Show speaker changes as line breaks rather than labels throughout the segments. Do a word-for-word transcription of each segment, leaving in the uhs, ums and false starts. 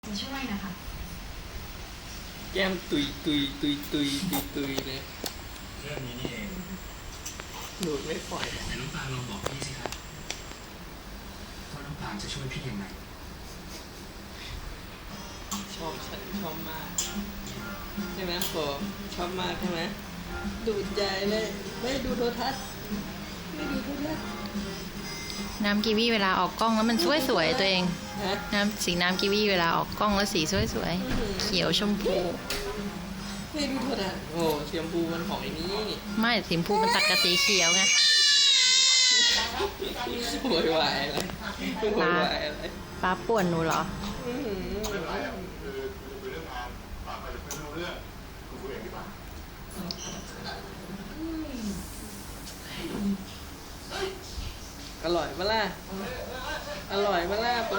จะช่วยนะคะ
แก้มตุยตุยตุยตุยตุยตุยเลย
เรื่องนี้นี่เอง
ดูดไม่ปล่อย
แต่น้องปางลองบอกพี่สิครับว่าน้องปางจะช่วยพี่ยังไง
ชอบฉันชอบมากใช่ไหมโฟชอบมากใช่ไหมดูดใจเลยไม่ดูโทรทัศน์ไม่ดูโทรทัศน์
น้ำกีวีเวลาออกกล้องแล้วมันสวยสวยตัวเอง
ฮะ
น้ำสีน้ำกีวีเวลาออกกล้องแล้วสีสวยสวยเขียวชมพู
ไม่ดูโทรทัศน์โอ้เชียมพูมันของไอ้นี่
ไม่สีชมพูมันตัดกับสีเขียวไง
โวยวายอะไรโวยวายอะไร
ป้าป่วนหนูเหรอ
อื้อหือ
คือคือคุยเรื่องงานปากไปไม่รู้เรื่องคุยคุยเองดีกว่า
อร่อยปะล่ะอร่อยปะล่ะโป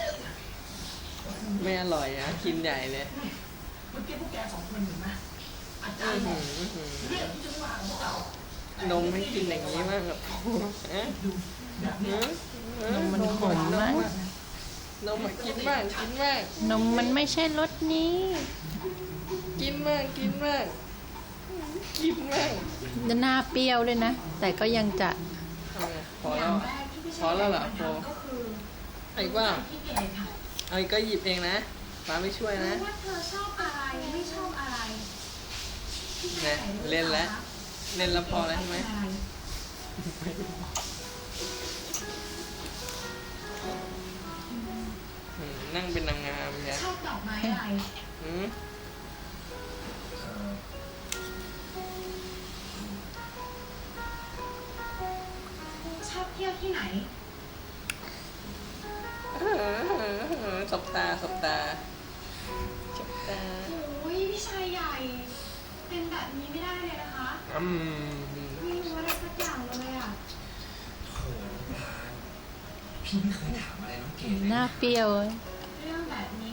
ไม่อร่อยอ่ะกินใหญ่เลย
เมื่อกี้พวกแกสองคนเห็นไหมอาจา
อื้
ร
อ
ย์บ
หื
อก
ออื้อหือ
เรื่องที่จะว่าของเรา
นมให้กินอย่างนี้มากแบบฮะ
ดูแบบนี้
นมมันขมมาก
นมมากินบ้างกินบ้าง
นมมันไม่ใช่รสนี้
กินบ้างกินบ้างกินบ้าง
จะหน้าเปรี้ยวเลยนะ แต่ก็ยังจะ
เอาไงพอ
อ
แล้
ย่าง
ว
แรกที่พี่
พอแล้วเหรอโฟ
ก็คือ
ไอ้ว่า
พี่เกดค่ะ
ไอ้ก็หยิบเองนะป้าไม่ช่วยนะ
รู้ว่าเธอชอบอะไรไม่ชอบอะไรพี่ชาย
นะ
ใส่ด้วย
เล่นแล้ว
คะ
เล่นแล้วพอแล้วใช่ไหม
อะไร
อืมนั่งเป็นนางงามเนี่ย
ชอบดอกไม้อะไร
อืม
เอ่อ
ชอบเที่ยวที่ไหน
เออเออเออสบตาสบตาสบตา
โอ้ยพี่ชายใหญ่ เป็นแบบนี้ไม่ได้เลยนะคะ
อืม
ไม่รู้อะไรสักอย่างเลยอ่ะ
โหน้องปางพี่ไม่เคยถามอะไรน้องเกดเลย
หน้า
นะ
เปรี้ยว
เรื่องแบบนี้